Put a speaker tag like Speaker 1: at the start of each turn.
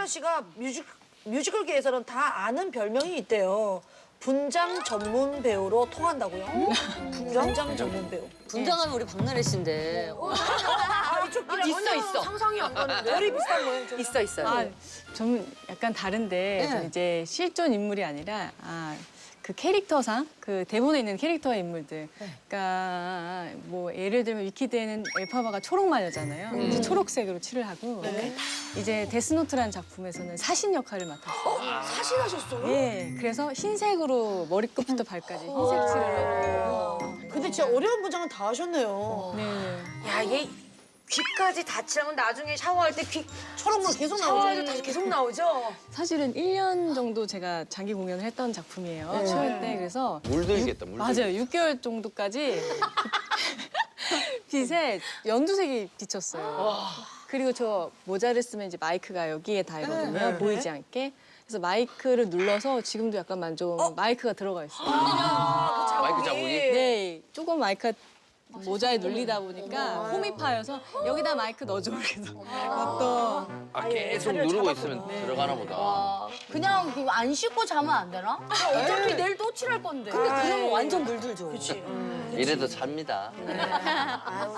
Speaker 1: 김연아 씨가 뮤지컬계에서는 다 아는 별명이 있대요. 분장 전문 배우로 통한다고요? 분장 전문 배우.
Speaker 2: 분장하면 우리 박나래 씨인데.
Speaker 1: 있어. 상상이 안 가는데. 머리 비슷한 거예요.
Speaker 2: 있어요.
Speaker 3: 아, 좀 약간 다른데 좀 이제 실존 인물이 아니라 그 캐릭터상 그 대본에 있는 캐릭터의 인물들. 그러니까 뭐 예를 들면 위키드에는 엘파바가 초록 마녀잖아요. 이제 초록색으로 칠을 하고 이제 데스노트라는 작품에서는 사신 역할을 맡았어요.
Speaker 1: 사신하셨어요?
Speaker 3: 예, 그래서 흰색으로 머리끝부터 발까지 흰색 칠을 하고.
Speaker 1: 근데 진짜 어려운 분장은 다 하셨네요.
Speaker 3: 네.
Speaker 4: 야, 얘 귀까지 다 칠하면 나중에 샤워할 때 귀
Speaker 1: 초록물 계속
Speaker 4: 샤워해도
Speaker 1: 나오죠.
Speaker 4: 다시 계속 나오죠?
Speaker 3: 사실은 1년 정도 제가 장기 공연을 했던 작품이에요. 초연 때. 그래서
Speaker 5: 물들겠다, 물들.
Speaker 3: 맞아요. 6개월 정도까지 빛에 연두색이 비쳤어요. 그리고 저 모자를 쓰면 이제 마이크가 여기에 닿거든요. 보이지 않게. 그래서 마이크를 눌러서 지금도 약간 좀 마이크가 들어가 있어요.
Speaker 5: 마이크 자국이?
Speaker 3: 네, 조금 마이크가 모자에 눌리다 보니까 홈이 파여서 여기다 마이크 넣어줘. 그래서 어떤
Speaker 5: 계속 누르고 있으면 들어가나 보다.
Speaker 6: 그냥 안 씻고 자면 안 되나? 어차피 내일 또 칠할 건데.
Speaker 2: 근데 그러면 완전 물들죠.
Speaker 1: 그치.
Speaker 5: 이래도 삽니다.